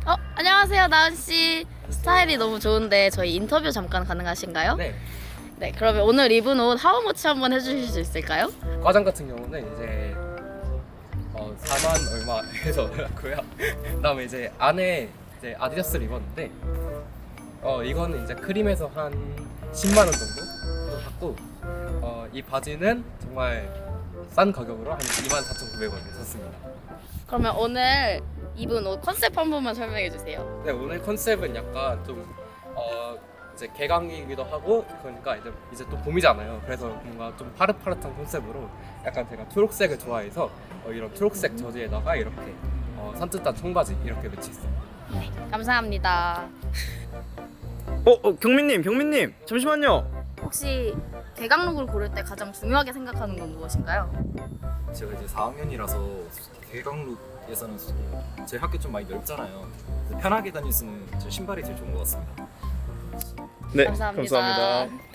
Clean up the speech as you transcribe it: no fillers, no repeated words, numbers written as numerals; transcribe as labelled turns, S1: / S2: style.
S1: 안녕하세요, 나은 씨. 스타일이 너무 좋은데 저희 인터뷰 잠깐 가능하신가요?
S2: 네.
S1: 네, 그러면 오늘 입은 옷 하우머치 한번 해주실 수 있을까요?
S2: 과장 같은 경우는 이제 4만 얼마 해서 고요. 그다음에 이제 안에 이제 아디다스를 입었는데 이거는 이제 크림에서 한 10만 원 정도 받고 이 바지는 정말 싼 가격으로 한 24,900원에 샀습니다.
S1: 그러면 오늘 입은 옷 컨셉 한 번만 설명해 주세요.
S2: 네, 오늘 컨셉은 약간 좀 이제 개강이기도 하고 그러니까 이제 또 봄이잖아요. 그래서 뭔가 좀 파릇파릇한 컨셉으로 약간 제가 초록색을 좋아해서 이런 초록색 저지에다가 이렇게 산뜻한 청바지 이렇게 매치했어요.
S1: 네, 감사합니다.
S3: 경민님, 잠시만요.
S1: 혹시 개강룩을 고를 때 가장 중요하게 생각하는 건 무엇인가요?
S4: 제가 이제 4학년이라서 개강룩에서는 제 학교 좀 많이 넓잖아요. 그래서 편하게 다닐 수 있는 제 신발이 제일 좋은 것 같습니다.
S3: 네,
S1: 감사합니다.
S3: 감사합니다.